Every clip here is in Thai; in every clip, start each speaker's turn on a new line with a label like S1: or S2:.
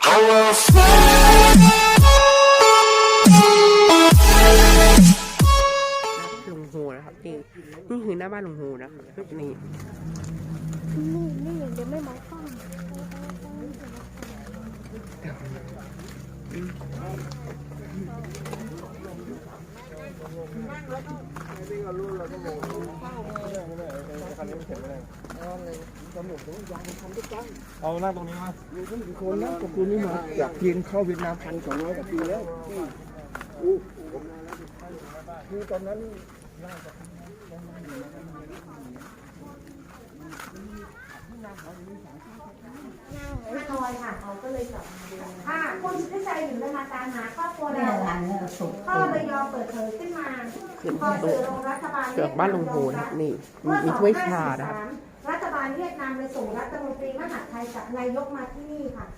S1: ลุงโฮนะครับนี่คือหน้าบ้านลุงโฮนะครับนี่
S2: นี่เดี๋ยวไม่มองกล้อง
S3: เอานั่งตรงนี้มา
S4: คนนะกับคุณนี่มาจากจีนเข้าเวียดนาม1,200 กว่าปีแล้วคือตอนนั้น
S2: คอยค่ะเขาก็เลยกลับมาดูค่ะคุณที่ใจอยู่เลยมาตามหาครอบครัวเราพ่อเลยยอมเปิดเผยขึ้นมาพอสื่อลงรัฐบาล
S1: เกือกบ้านลุงโฮนะนี่มีถ้วยชานะครับ
S2: รัฐบาลเวียดนามเลยส่งรัฐมนตรีมหาดไทยกับนายกมาที่นี่ค่ะ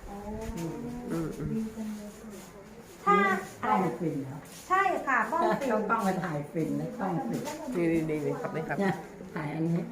S2: ถ้าอะไรฟินใช่ค่ะบ้องฟิน
S5: ต้องมาถ่ายฟินนะต้องฟิน
S1: นี่ครับนี่ครับ
S5: ถ่ายอันนี้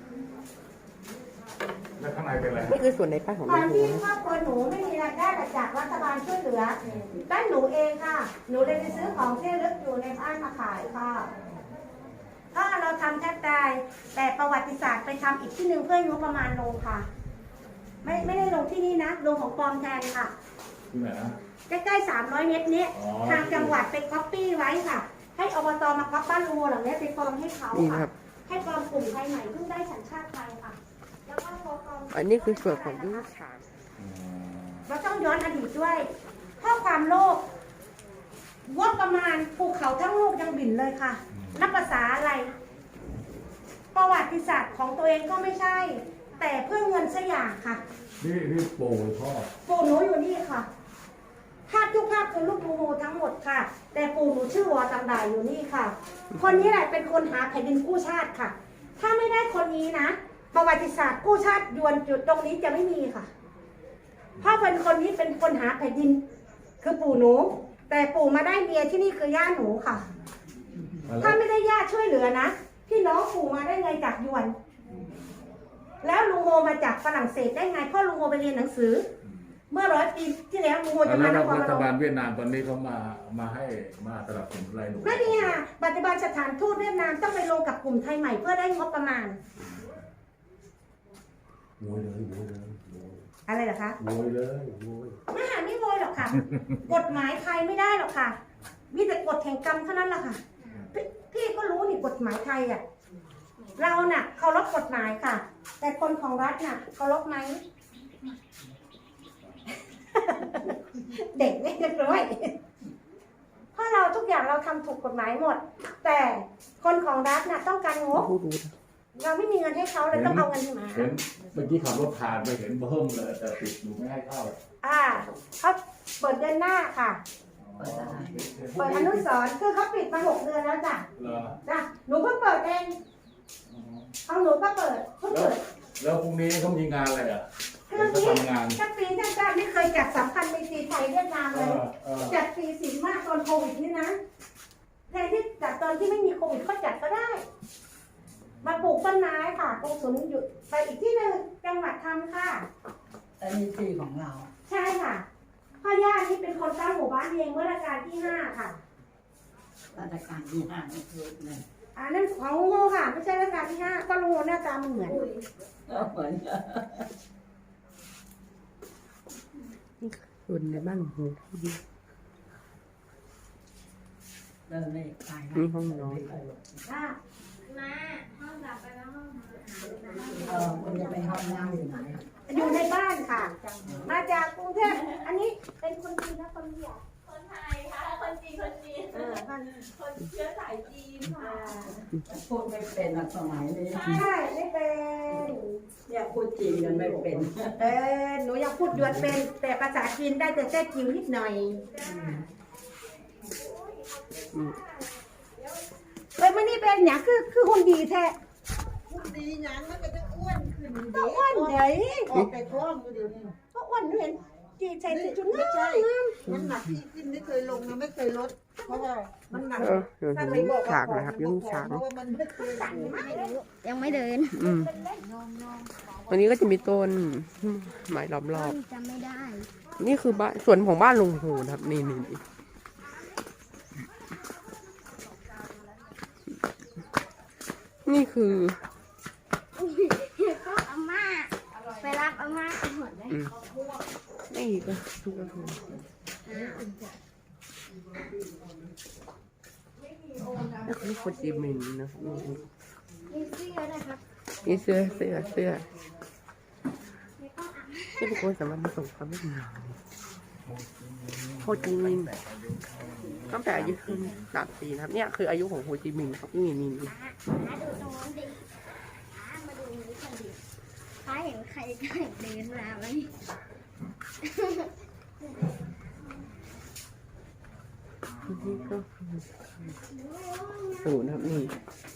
S3: แล้วข้างในเป็นอะไร
S1: นี่คือส่วนในบ้านของ
S2: ต
S1: ลุ
S2: อน
S1: งโฮ
S2: ที่ครอบครัวหนูไม่มีรายได้จากรัฐบาลช่วยเหลือด้านหนูเองค่ะหนูเลยไปซื้อของที่ระลึกอยู่ในบ้านมาขายค่ะก็เราทำแทบตายแต่ประวัติศาสตร์ไปทำอีกที่หนึ่งเพื่องบประมาณลงค่ะ ไม่ได้ลงที่นี่นะลงของปลอมแทนค่ะ
S3: ที่ไหนนะ
S2: ใกล้ๆ300 เมตรนี้ทางจังหวัดไปก๊อปปี้ไว้ค่ะให้อบตมาก๊อปบ้านลุงหลังนี้ไปปลอมให้เขาค่ะให้ปลอมกลุ่มไทยใหม่เพิ่งได้สัญชาติไทยค่ะแล้วก็ปลอม
S1: อันนี้คือส่วนของลูกชาย
S2: เราต้องย้อนอดีตด้วยเพราะความโลภงบประมาณภูเขาทั้งลูกยังบิ่นเลยค่ะนับภาษาอะไรประวัติศาสตร์ของตัวเองก็ไม่ใช่ แต่เพื่อเงินสักอย่างค่ะ
S3: พี่ปู่พ่อ
S2: ปู่หนูอยู่นี่ค่ะภาพทุกภาพคือลูกโมโหทั้งหมดค่ะ แต่ปู่หนูชื่อวอตังดาอยู่นี่ค่ะ คนนี้แหละเป็นคนหาแผ่นดินกู้ชาติค่ะ ถ้าไม่ได้คนนี้นะประวัติศาสตร์กู้ชาติยวนจุดตรงนี้จะไม่มีค่ะเพราะเป็นคนนี้เป็นคนหาแผ่นดินคือปู่หนูแต่ปู่มาได้เมียที่นี่คือย่าหนูค่ะถ้าไม่ได้ญาติช่วยเหลือนะพี่น้องปู่มาได้ไงจากยวนแล้วลุงโฮมาจากฝรั่งเศสได้ไงเพราะลุงโฮไปเรียนหนังสือเมื่อ100 ปีที่แล้วลุงโฮจะมา
S3: แล้วรัฐบาลเวียดนามตอนนี้เขามาให้มาสนับสนุนอะไรหนู
S2: ไม่ดีค่ะปัจจุบันสถานทูตเวียดนามต้องไปลงกับกลุ่มไทยใหม่เพื่อได้งบประมาณ
S3: โวยเลย
S2: อะไรเหรอคะ
S3: โวยเลย
S2: ไม่หาไม่โวยหรอกค่ะ กฎหมายใครไม่ได้หรอกค่ะมีแต่กฎแห่งกรรมเท่านั้นแหละค่ะพี่ก็รู้นี่กฎหมายไทยอ่ะเราน่ะเคารพกฎหมายค่ะแต่คนของรัฐน่ะเคารพไหม เด็กไม่เรียบร้อยเพราะเราทุกอย่างเราทำถูกกฎหมายหมดแต่คนของรัฐน่ะต้องการงบเราไม่มีเงินให้เขาเลยต้องเอาเงินมา
S3: เห็นเมื่อกี้ขับรถผ่านไปเห็นเบิ่มเลยแต่ติดอยู่ไม่ให้เข้า
S2: เขาเปิดเดือนหน้าค่ะเปิดอนุสรณ์คือเขาปิดมา6 เดือนแล้วจ้ะหนูเพิ่งเปิดเองเอาหนูก็เปิดเพิ่งเปิด
S3: แล้วพรุ่งนี้เขามีงานอะไรอ่ะ
S2: คือทำงานจัดปีทั้งชาติไม่เคยจัดสำคัญในปีไทยเวียดนามเลยจัดปีศีลมากตอนโควิดนี่นะแทนที่จัดตอนที่ไม่มีโควิดเขาจัดก็ได้มาปลูกต้นไม้ค่ะตรงสวนหยุดไปอีกที่หนึ่งจังหวัดทำค่ะ
S5: อันนี้ที่ของเรา
S2: ใช่ค่ะพ่อย่านี่เป็นคนตั้งหมู่บ้านเองเมื่อรัชกาลที่5ค่ะ
S5: รัชกาลที่5นี่คือเนี่ย
S2: นั่นของลุงโฮค่ะไม่ใช่รัชกาลที่5ก็ลุงโฮหน้าตามันเหมือน
S1: ส่วนในบ้านลุงโฮ
S5: เดินเลยไป
S1: นี่ห้องนอน
S2: มาห้องดับไปแล้วห้อง
S5: คุณจะไปห้องน้ำอยู่ไหน
S2: อยู่ในบ้านค่ะมาจากกรุงเทพอันนี้เป็นคนจีนนะคนเดียว
S6: คนไทยค่ะคนจีนคนเชื้อสายจีนค่ะ
S5: พูดไม่เป็นสมัยนี้
S2: ใช่ไม่เป็น
S5: อยากพูดจีนกันไม่เป็น
S2: หนูอยากพูดยวนเป็นแต่ภาษาจีนได้แต่แท้จิ๋วนิดหน่อยไม่นี่เป็นอย่างคือคนดีแท้
S6: ดีอย่างมันก็จะอ้วนขึ้น
S2: ก็อ้วนใหญ่
S6: ออกแต่ท้องอยู่เดี๋ยวนี้
S2: ก็อ้วนเห็นจีใส่จุด
S6: ไม่ใช่น้ำหนักที่ขึ้นไม่เคยลงนะไม่เคยลดเพราะว่ามันหนัก
S1: ถ้าไม่บอกฉากนะครับยังฉาก
S2: ยังไม่เดิน
S1: วันนี้ก็จะมีต้นไม้ล้อมรอบ
S2: จำไม่ได้
S1: นี่คือบ้านสวนของบ้านลุงโฮนะครับนี่นี่คือ
S7: ก็อาม่าไปรับอาม่าไปหมดเลย
S1: นี่ก็คือนี่คือโฮจิมินห์นะครับ
S7: มีเสื้อด้วยครับ
S1: นี่เสื้อ
S7: แล้วก็อาม่า
S1: นี่เป็นคนสำหรับมาส่งความเวียดนามโฮจิมินห์ตั้งแต่อายุขึ้น3 ปีนะครับเนี่ยคืออายุของโฮจิมินห์ครับนี่
S7: หาดูตรงนั้นดิมาดูนี้กันดิป้าเห็นใครก็เดินมาไหม
S1: นี่ก็ศูนย์ครับนี่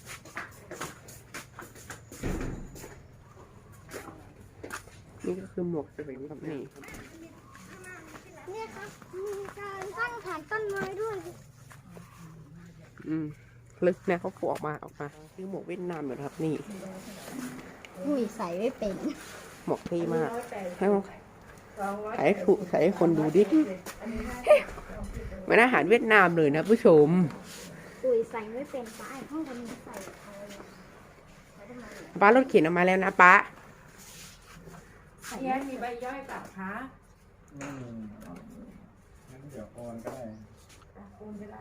S1: ก็คือหมวกสวิงครับนี่
S7: เนี่ยครับมีการตั้งฐานต้นไม้ด้วย
S1: ลึกนะเขาผูกออกมาคือหมวกเวียดนามอยู่นะครับนี่
S7: หุยใส่ไม่เป็น
S1: หมวกเท่มากให้ใส่ให้คนดูดิเหมือนอาหารเวียดนามเลยนะผู้ชม
S7: หุยใส่ไม่เป็นป้าไอ้ห้องคนนี้ใส่
S1: ป้ารถเข็นออกมาแล้วนะป้า
S6: แย่มีใบย่อยกับคะ
S4: งั้นเดี๋ยวโอนก็ได้
S6: คุณไปได้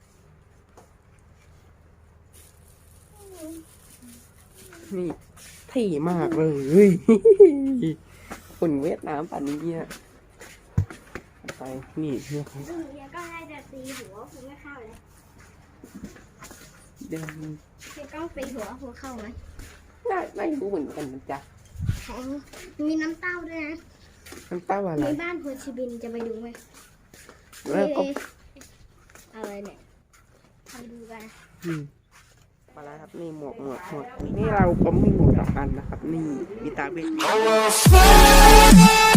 S1: นี่เท่มากเลยคนเวียดนามป่านนี้เนี่ยไปนี่เพื่อเขา
S7: ซึ่งเฮียก็ให้จะตีหัวผมไม่เข้าเลย
S1: เดิน
S7: เฮียต้องตีหัวผมเข้าไหม
S1: ไม่รู้เหมือนกันนะจ๊ะ
S7: แข็งมีน้ำเต้าด้วยนะ
S1: น้ำเต้าอะไร
S7: ในบ้านโฮชิบินจะไปดูไหม
S1: แล้วก็
S7: อะไรเนี่ยไปดูกัน
S1: มาแล้วครับนี่หมวกนี่เราก็มีหมวก2 อันนะครับนี่มีตาเวท